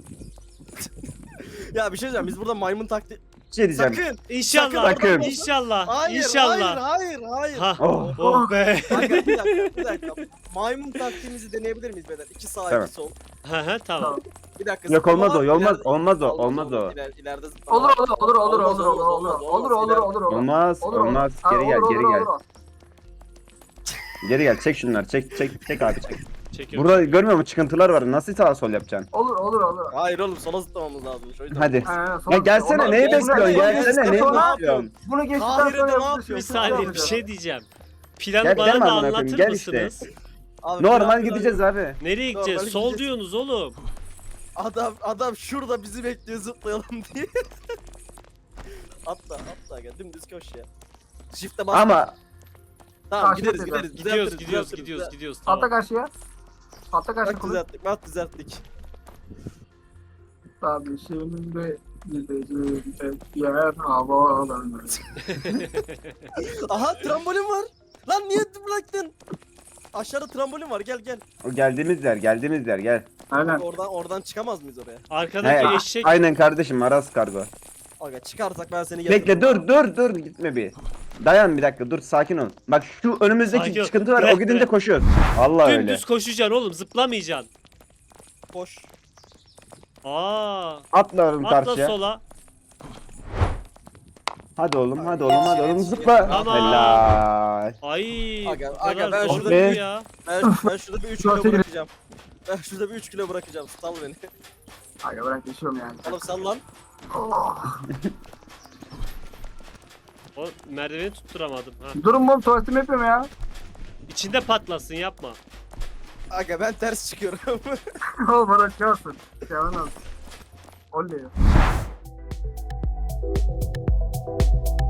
Speaker 3: Ya bir şey diyeceğim biz burada maymun taktiği...
Speaker 7: Bir şey diyeceğim.
Speaker 3: Sakın!
Speaker 2: İnşallah.
Speaker 7: Sakın.
Speaker 2: İnşallah.
Speaker 3: Hayır,
Speaker 2: İnşallah.
Speaker 3: hayır, hayır, hayır.
Speaker 2: Ha.
Speaker 7: Oh.
Speaker 2: Oh be.
Speaker 3: Aga bir dakika, bir dakika. Maymun taktiğimizi deneyebilir miyiz beyler? İki sağ,
Speaker 7: Tamam.
Speaker 3: iki sol.
Speaker 2: Hı hı tamam.
Speaker 3: Bir dakika.
Speaker 7: Yok olmaz o,
Speaker 3: zıplama,
Speaker 7: olmaz,
Speaker 3: ileride-
Speaker 7: olmaz o, olmaz o.
Speaker 3: İler, ileride zıplama.
Speaker 4: Olur olur olur olur
Speaker 3: Olmaz,
Speaker 4: olur olur
Speaker 3: olmaz,
Speaker 4: olur
Speaker 3: olmaz,
Speaker 4: olur olur
Speaker 3: ileride-
Speaker 4: olur olur.
Speaker 7: Olmaz,
Speaker 4: Olur, olur.
Speaker 7: olmaz.
Speaker 4: Ha,
Speaker 7: Geri gel,
Speaker 4: olur,
Speaker 7: geri
Speaker 4: olur,
Speaker 7: gel.
Speaker 4: olur.
Speaker 7: Geri gel, çek şunları, çek, çek, çek abi çek.
Speaker 2: Çekiyorum.
Speaker 7: Burada görmüyor musun çıkıntılar var, nasıl sağa sol yapacaksın?
Speaker 4: Olur olur olur.
Speaker 3: Hayır oğlum sola zıplamamız lazımmış o yüzden.
Speaker 7: Hadi.
Speaker 4: Ha,
Speaker 7: Ya gelsene,
Speaker 4: Onu-
Speaker 7: neyi
Speaker 4: bunu-
Speaker 7: bekliyorsun?
Speaker 4: bunu-
Speaker 7: Gelsene, neyi
Speaker 4: bunu-
Speaker 7: bekliyorsun?
Speaker 4: Bunu geçtikten
Speaker 3: Kahire'de
Speaker 4: sonra
Speaker 3: ne
Speaker 4: yapıyorsun.
Speaker 2: Bir
Speaker 3: yapıyorsun?
Speaker 2: saniye bir şey diyeceğim. Planı
Speaker 7: Gel-
Speaker 2: bana
Speaker 7: gelme
Speaker 2: da
Speaker 7: amına koyayım,
Speaker 2: anlatır
Speaker 7: gel işte.
Speaker 2: mısınız?
Speaker 3: Abi,
Speaker 7: Normal
Speaker 3: plan-
Speaker 7: gideceğiz abi.
Speaker 2: Nereye gideceğiz?
Speaker 3: Normal
Speaker 2: Sol
Speaker 3: gideceğiz.
Speaker 2: diyorsunuz oğlum.
Speaker 3: Adam adam şurada bizi bekliyor zıplayalım diye. atla atla gel dümdüz koş ya. Shift'e bas.
Speaker 7: Ama
Speaker 3: Tamam
Speaker 4: Karşı
Speaker 3: gideriz
Speaker 4: tekrar.
Speaker 3: gideriz.
Speaker 2: Gidiyoruz
Speaker 3: düzeltiriz,
Speaker 2: gidiyoruz
Speaker 3: düzeltiriz,
Speaker 2: gidiyoruz
Speaker 3: düzelt-
Speaker 2: gidiyoruz
Speaker 4: Atla
Speaker 2: tamam.
Speaker 4: karşıya. Atla karşı
Speaker 3: Bak
Speaker 4: kulu.
Speaker 3: düzelttik bak düzelttik.
Speaker 4: Tabii şimdi gideceğim tek yer havalanır.
Speaker 3: Aha trambolin var. Lan niye bıraktın? Aşağıda trambolin var gel gel.
Speaker 7: o geldiğimiz yer, geldiğimiz yer gel.
Speaker 4: Aynen.
Speaker 3: Oradan oradan çıkamaz mıyız oraya?
Speaker 2: Arkadaki
Speaker 7: He,
Speaker 2: eşek.
Speaker 7: aynen kardeşim, Aras kargo.
Speaker 3: Aga çıkarsak ben seni
Speaker 7: Bekle, dur, dur, dur, gitme bir. Dayan bir dakika, dur, sakin ol. Bak şu önümüzdeki
Speaker 2: Sakin ol.
Speaker 7: çıkıntı var,
Speaker 2: Bırak,
Speaker 7: o gidince
Speaker 2: bırak.
Speaker 7: koşuyoruz. Allah öyle.
Speaker 2: Dümdüz koşacaksın oğlum zıplamayacaksın.
Speaker 3: Koş.
Speaker 2: Aa.
Speaker 7: Atla oğlum
Speaker 2: Atla
Speaker 7: karşıya.
Speaker 2: sola.
Speaker 7: Hadi oğlum, hadi oğlum, hadi oğlum, zıpla.
Speaker 2: Tamam.
Speaker 7: Helal.
Speaker 2: Ay.
Speaker 3: Aga,
Speaker 2: o kadar
Speaker 3: aga, ben
Speaker 2: zor
Speaker 3: şurada
Speaker 2: değil
Speaker 7: bir-
Speaker 2: ya.
Speaker 3: Ben, ben şurada bir üç
Speaker 4: Şurası
Speaker 3: kilo
Speaker 4: gibi.
Speaker 3: bırakacağım. Ben şurada bir üç kilo bırakacağım. Sal beni.
Speaker 4: Aga bırak geçiyorum yani.
Speaker 3: Oğlum sal lan.
Speaker 4: Oh.
Speaker 2: O merdiveni tutturamadım ha.
Speaker 4: Durun oğlum tuvaletimi yapıyorum ya.
Speaker 2: İçinde patlasın yapma.
Speaker 3: Aga ben ters çıkıyorum.
Speaker 4: Oğlum bırakacaksın. Yalan olsun. Oley.